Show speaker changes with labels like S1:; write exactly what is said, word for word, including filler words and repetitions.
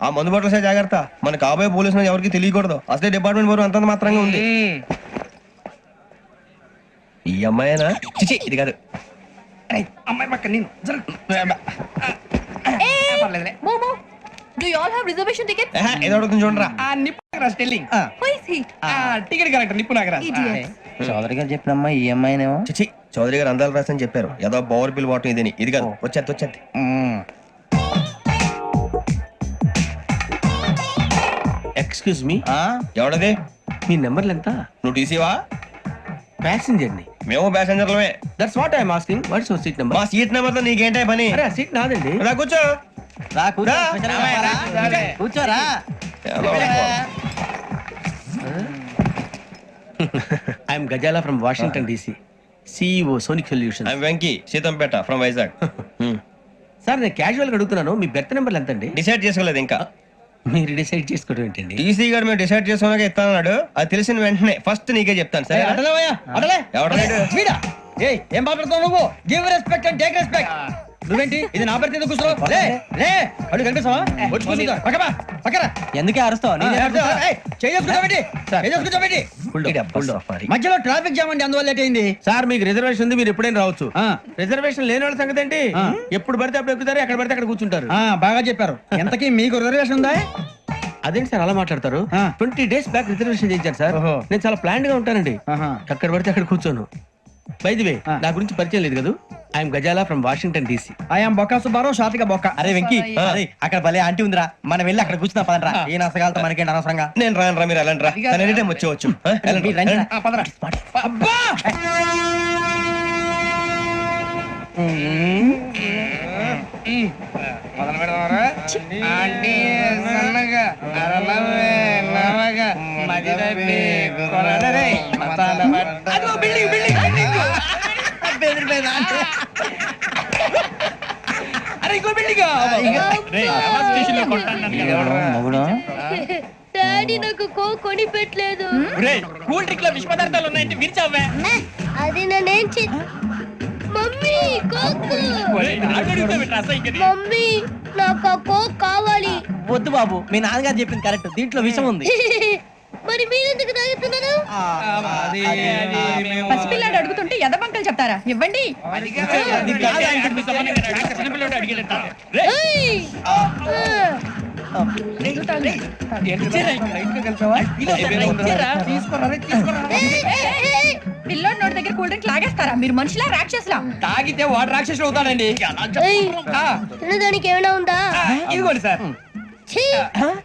S1: ఆ మందు బట్టలసే జాగ్రత్త. మన కాబోయే పోలీసులు ఎవరికి తెలియకూడదు. అసలే డిపార్ట్మెంట్ బోర్ అంతంత మాత్రంగా ఉంది. ఈ అమ్మాయినా? చిచి ఇది కాదు.
S2: అమ్మాయి పక్క నేను
S3: Do you all have reservation tickets?
S1: ఏదో అడుగుతుంది చూడరా.
S2: Nippu Nagaraj telling
S3: Who is he?
S2: Ticket correct Nippu Nagaraj
S3: Idiot.
S4: Chowdary గారు చెప్పినమ్మా ఈ అమ్మాయినేమో.
S1: చిచి చౌదరి గారు అందాలు రాసని చెప్పారు. ఏదో బోర్ బిల్ వాటం ఇదని. ఇది కాదు. వచ్చేది వచ్చేది.
S5: Excuse me,
S1: ఎవడది?
S5: మీ నెంబర్లు ఎంత?
S1: నువ్వు టీసీవా?
S5: ప్యాసింజర్ ని.
S1: మేము ప్యాసెంజర్లమే.
S5: That's what I'm asking. What's your seat number?
S1: మా సీట్ నెంబర్ తో నీకేంటే పని?
S5: అరే ఆ సీట్ నాదండి.
S1: రా కూర్చో.
S4: రా కూర్చో.
S1: రా.
S4: స్పెషల్ గా రా. కూర్చోరా.
S5: I'm Gazala from Washington DC, CEO Sonic solution.
S1: I'm Venky Seethampeta from Vizag.
S5: Sir నేను క్యాజువల్ గా అడుగుతున్నాను, మీ బెర్త్ నెంబర్లు ఎంత అండి?
S1: డిసైడ్ చేసుకోలేదు ఇంకా.
S5: మీరు డిసైడ్ చేసుకోవడం ఏంటండి?
S1: టీసీ గారు మేము డిసైడ్ చేసుకున్నాక ఇస్తానన్నాడు. అది తెలిసిన వెంటనే ఫస్ట్ నీకే చెప్తాను. సరే
S4: వీడా? ఏయ్ ఏం మాట్లాడుతావు నువ్వు? Give respect and take respect. నువ్వేంటి ఇది నా పరిస్థితి ఎందుకు కూర్చో? లే లే అడుగు కనిపిస్తావా? వచ్చి కూర్చుంటా. పక్కపా పక్కరా. ఎందుకే అరుస్తావు? మధ్యలో ట్రాఫిక్ జామ్ అండి, అందువల్ల లేట్ అయింది.
S5: సార్ మీకు రిజర్వేషన్ ఉంది, మీరు ఎప్పుడైనా రావచ్చు. రిజర్వేషన్ లేని వాళ్ళ సంగతి ఏంటి? ఎప్పుడు పడితే అప్పుడు ఎక్కుతారు, ఎక్కడ పడితే అక్కడ కూర్చుంటారు.
S4: బాగా చెప్పారు. ఎంతకీ మీకు రిజర్వేషన్ ఉందా?
S5: అదేంటి సార్ అలా మాట్లాడతారు? ట్వంటీ డేస్ బ్యాక్ రిజర్వేషన్ చేయించారు సార్. నేను చాలా ప్లాన్డ్ గా ఉంటానండి. అక్కడ పడితే అక్కడ కూర్చోను. బై ది వే నా గురించి పరిచయం లేదు కదా. I'm Gazala from Washington DC.
S4: I'm Bokka Subbarao, షాతిక బొక్క. అరే వెంకీ, అక్కడ భలే ఆంటీ ఉందిరా, మనం వెళ్ళి అక్కడ కూర్చున్నా పదరా. ఏ నసగాలతో మనకేంటి అనవసరంగా.
S1: నేను రాను రా, మీరు వెళ్ళండి రా. ఎనీ టైం వచ్చేవచ్చు.
S2: అబ్బా మొదలు పెడదామరా? ఆంటీ సన్నగా అరలవే నవగా మదిరపి కొరడరే మతాల పట్ట. అదిగో బిల్డింగ్ బిల్డింగ్ బిల్డింగ్. అరే ఇంకో బిల్డింగ్.
S6: డాడీ నాకు కో కొని పెట్టలేదు.
S2: కూల్ డ్రింక్ లో విష పదార్థాలు ఉన్నాయంటే విరిచావే.
S6: అది నేనేం చే మమ్మీ కోక్. మమ్మీ నాకు ఆ కోక్ కావాలి.
S4: వద్దు బాబు, మీ నాన్నగారు చెప్పింది కరెక్ట్, దీంట్లో విషయం ఉంది.
S6: మరి మీరెందుకు తాగుతున్నారు?
S3: పసిపిల్లాడు అడుగుతుంటే ఎదబంకలు చెప్తారా? ఇవ్వండి.
S6: ఏయ్! ఆ. ఏయ్, ఏయ్, ఏయ్!
S3: పిల్లోడి నోటి దగ్గర కూల్ డ్రింక్ లాగేస్తారా? మీరు మనుషులా రాక్షసులా?
S2: తాగితే వాడు రాక్షసుడు అవుతాడండి.
S6: ఏయ్, తినడానికి ఏమైనా ఉందా?
S2: ఇదిగోండి సార్.
S6: ఛీ!